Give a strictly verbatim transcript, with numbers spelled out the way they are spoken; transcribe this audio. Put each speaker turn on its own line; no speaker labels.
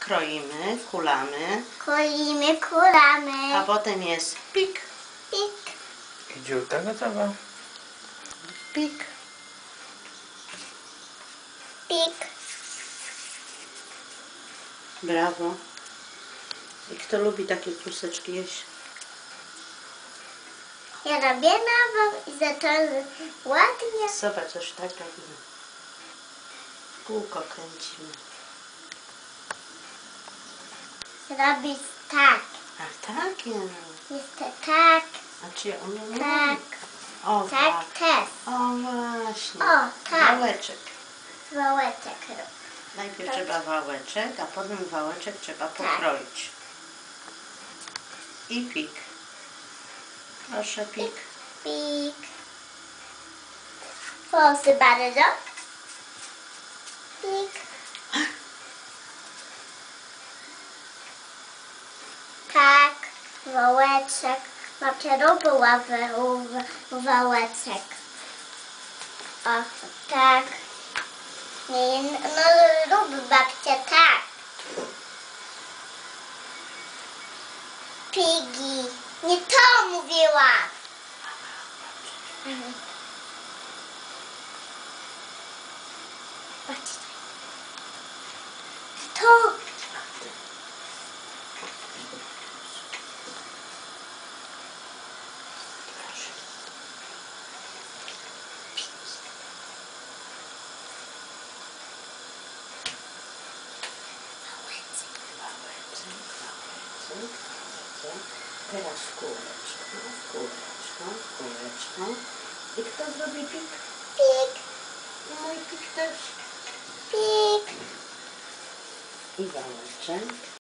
kroimy, kulamy,
Kroimy, kulamy.
a potem jest pik,
Pik,
I dziurka gotowa.
pik.
pik.
Brawo. I kto lubi takie kluseczki jeść?
Ja robię nową i za to ładnie.
Zobacz, coś tak robimy. Kółko kręcimy.
Robić tak.
A tak, ja.
Jest to tak,
A czy ja umiem?
tak,
O,
tak
tak.
też.
O, właśnie.
O, tak.
Wałeczek.
Wałeczek rób.
Najpierw
Tak.
trzeba wałeczek, a potem wałeczek trzeba pokroić. I pik. Proszę, pik.
Pik. Proszę bardzo. Pik. Tak, wałeczek. Babcia robiła wa- wałeczek. O, tak. Nie, no rób babcia tak. Pigi. Nie to mówiłam. Mhm. Patrz. To.
Proszę.
Wałeczek.
Wałeczek, wałeczek, wałeczek. Teraz kółeczko, kółeczko, kółeczko. I kto zrobi pik?
Pik,
I mój pik też.
pik.
I wałeczek.